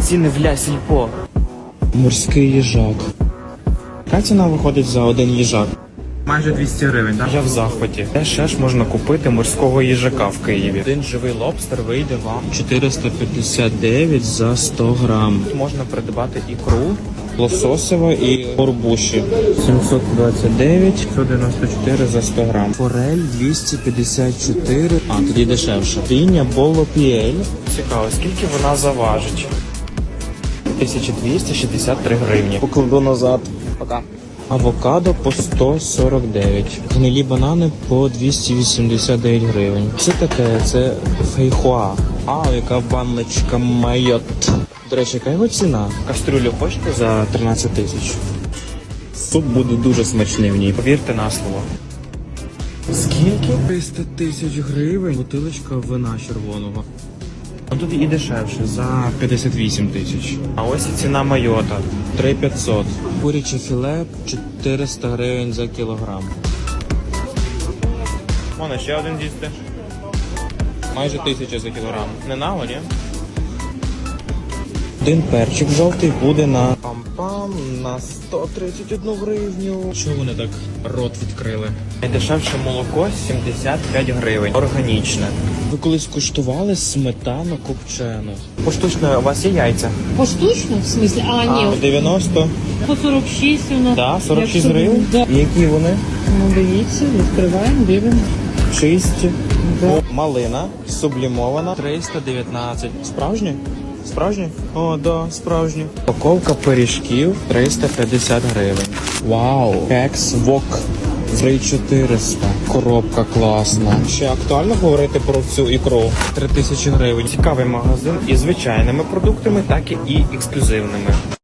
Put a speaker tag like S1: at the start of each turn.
S1: ціни в Ля Сільпо.
S2: Морський їжак. Яка ціна виходить за один їжак?
S1: Майже 200 гривень, так?
S2: Я в захваті. Де ще ж можна купити морського їжака в Києві? Один живий лобстер вийде вам 459 за 100 грам. Можна придбати ікру лососева і горбуші. 729, 194 за 100 грам. Форель 254, тоді дешевше. Ріня болопіель. Цікаво, скільки вона заважить? 1263 гривні. Покладу назад. Пока. Авокадо по 149. Гнилі банани по 289 гривень. Це таке, це фейхоа. Яка баночка майот. До речі, яка його ціна? Кастрюлю хочете за 13 тисяч. Суп буде дуже смачний в ній, повірте на слово. Скільки? 300 тисяч гривень. Бутилочка вина червоного. А тут і дешевше, за 58 тисяч. А ось і ціна майота. 3500. Куряче філе 400 гривень за кілограм. Вон ще один дісти. Майже 1000 за кілограм. Не наго, ні? Один перчик жовтий буде на пам-пам, на 131 гривню. Чого вони так рот відкрили? Найдешевше молоко 75 гривень. Органічне. Ви колись куштували сметану копчену? Поштучно у вас є яйця?
S3: Поштучно? В смысле? Ні.
S2: 90?
S3: По 46 у нас.
S2: Да, 46
S3: Якщо-
S2: гривень?
S3: Да.
S2: І які вони?
S3: Ну, дивіться, відкриваємо, дивимося.
S2: Чисті.
S3: Да.
S2: Малина, сублімована. 319. Справжні? Справжні? О, да, справжні. Упаковка пиріжків 350 гривень. Вау! Кекс Вок 3400. Коробка класна. Ще актуально говорити про цю ікру? 3000 гривень. Цікавий магазин із звичайними продуктами, так і ексклюзивними.